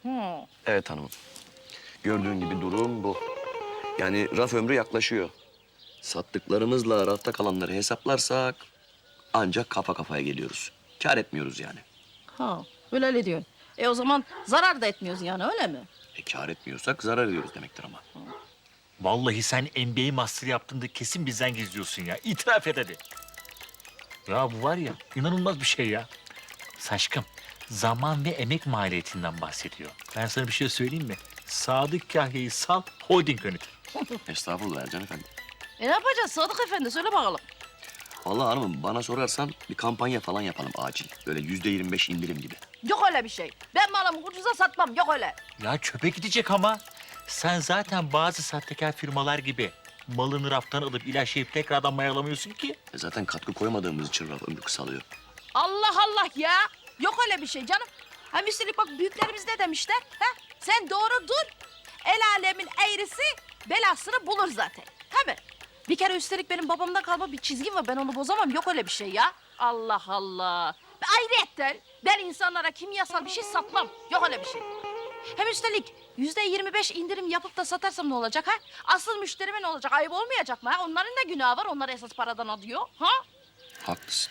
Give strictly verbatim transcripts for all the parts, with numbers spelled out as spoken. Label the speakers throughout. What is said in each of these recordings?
Speaker 1: Hı.
Speaker 2: Evet hanımım. Gördüğün gibi durum bu. Yani raf ömrü yaklaşıyor. Sattıklarımızla rafta kalanları hesaplarsak ancak kafa kafaya geliyoruz. Kâr etmiyoruz yani.
Speaker 1: Ha, öyle öyle diyorsun. E o zaman zarar da etmiyoruz yani öyle mi?
Speaker 2: E kâr etmiyorsak zarar ediyoruz demektir ama.
Speaker 3: Vallahi sen N B A master yaptığında kesin bizden gizliyorsun ya. İtiraf et hadi. Ya bu var ya inanılmaz bir şey ya. Saşkım zaman ve emek maliyetinden bahsediyor. Ben sana bir şey söyleyeyim mi? Sadık Kahya'yı sal, holding yönetir.
Speaker 2: Estağfurullah Ercan Efendi.
Speaker 1: E ne yapacağız Sadık Efendi söyle bakalım.
Speaker 2: Vallahi hanımım bana sorarsan bir kampanya falan yapalım acil. Böyle yüzde yirmi beş indirim gibi.
Speaker 1: Yok öyle bir şey. Ben malımı ucuza satmam yok öyle.
Speaker 3: Ya çöpe gidecek ama. Sen zaten bazı sahtekar firmalar gibi malını raftan alıp ilaçlayıp tekrardan mayalamıyorsun ki.
Speaker 2: E zaten katkı koymadığımız için raf ömrü kısalıyor.
Speaker 1: Allah Allah ya. Yok öyle bir şey canım. Hem üstelik bak büyüklerimiz ne demişler? Ha? Sen doğru dur. El alemin eğrisi belasını bulur zaten. Tabii. Bir kere üstelik benim babamdan kalma bir çizgim var. Ben onu bozamam. Yok öyle bir şey ya. Allah Allah. Ve ayrıyetten ben insanlara kimyasal bir şey satmam. Yok öyle bir şey. Hem üstelik yüzde yirmi beş indirim yapıp da satarsam ne olacak ha? Asıl müşterime ne olacak? Ayıp olmayacak mı ha? Onların da günahı var. Onlar esas paradan alıyor. Ha?
Speaker 2: Haklısın.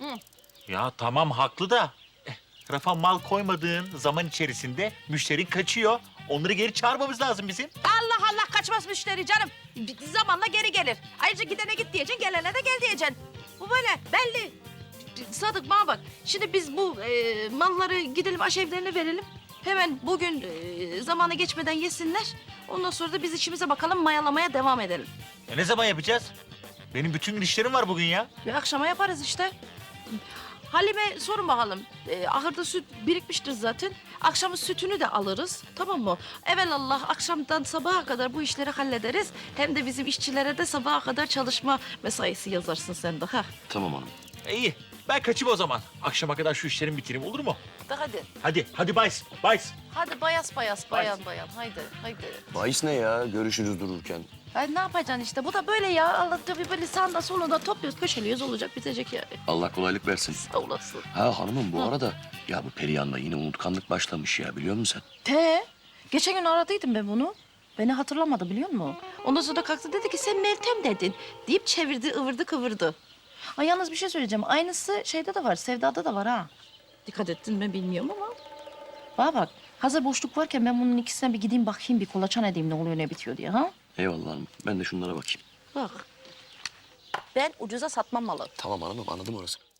Speaker 3: Ya tamam haklı da. eh, Rafa mal koymadığın zaman içerisinde müşterin kaçıyor. Onları geri çağırmamız lazım bizim.
Speaker 1: Allah Allah kaçmaz müşteri canım. Bir zamanla geri gelir. Ayrıca gidene git diyeceksin, gelene de gel diyeceksin. Bu böyle belli. Sadık bana bak. Şimdi biz bu e, malları gidelim aşevlerine verelim. Hemen bugün e, zamanı geçmeden yesinler. Ondan sonra da biz işimize bakalım mayalamaya devam edelim.
Speaker 3: E ne zaman yapacağız? Benim bütün gün işlerim var bugün ya.
Speaker 1: Ve akşama yaparız işte. Halime sorun bakalım. E, ahırda süt birikmiştir zaten. Akşamın sütünü de alırız. Tamam mı? Evelallah akşamdan sabaha kadar bu işleri hallederiz. Hem de bizim işçilere de sabaha kadar çalışma mesaisi yazarsın sen de. Ha.
Speaker 2: Tamam hanım.
Speaker 3: E, iyi. Ben kaçayım o zaman. Akşama kadar şu işlerimi bitireyim olur mu?
Speaker 1: De hadi.
Speaker 3: Hadi, hadi bays, bays.
Speaker 1: Hadi bayas bayas bayan bayan. Haydi haydi.
Speaker 2: Bahis ne ya? Görüşürüz dururken.
Speaker 1: Ay ne yapacaksın işte? Bu da böyle ya. Allah tabii böyle sağında solunda topluyoruz, köşeliyoruz olacak bitecek yani.
Speaker 2: Allah kolaylık versin.
Speaker 1: Sağ olasın.
Speaker 2: Ha hanımım bu arada ya bu Perihan'la yine unutkanlık başlamış ya biliyor musun sen?
Speaker 1: Te, geçen gün aradıydım ben bunu. Beni hatırlamadı biliyor musun? Ondan sonra kalktı dedi ki sen Meltem dedin. Deyip çevirdi, ıvırdı kıvırdı. Ay yalnız bir şey söyleyeceğim. Aynısı şeyde de var, Sevda'da da var ha. Dikkat ettin mi bilmiyorum ama. Bana bak, hazır boşluk varken ben bunun ikisine bir gideyim bakayım, bir kolaçan edeyim ne oluyor ne bitiyor diye ha.
Speaker 2: Eyvallah hanım. Ben de şunlara bakayım.
Speaker 1: Bak. Ben ucuza satmam malı.
Speaker 2: Tamam hanımım anladım orası.